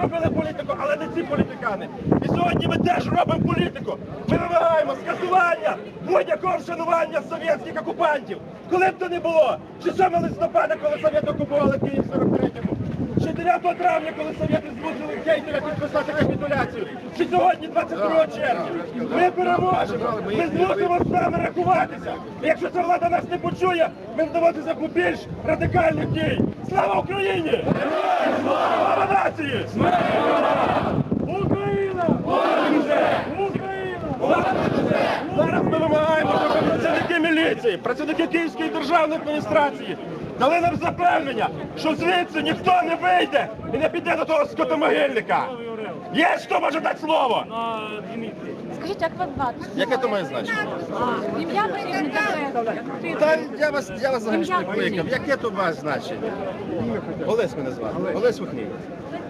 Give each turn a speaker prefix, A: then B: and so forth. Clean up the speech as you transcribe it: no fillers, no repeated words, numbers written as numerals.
A: робили політику, але не ці політикани. І сьогодні ми теж робимо політику. Ми вимагаємо скасування будь-якого вшанування совєтських окупантів. Коли б то не було, чи 7 листопада, коли совєти окупували Київ в 43-му, чи 9 травня, коли совєти змусили Гейтера підписати капітуляцію, чи сьогодні, 22 червня. Ми переможемо, ми змусимо з нами рахуватися. І якщо ця влада нас не почує, ми вдаватися до більш радикальних дій. Слава Україні! Слава нації! Україна! Україна! Зараз ми вимагаємо, щоб працівники міліції, працівники Київської державної адміністрації дали нам запевнення, що звідси ніхто не вийде і не піде до того скотомогильника. Є хто може дати слово?
B: Скажіть, як вас звати?
A: Яке то має значення?
B: Ім'я прізвище.
A: Та я вас взагалі не покликав. Яке то має значення? Олесь мене звати. Олесь Вихній.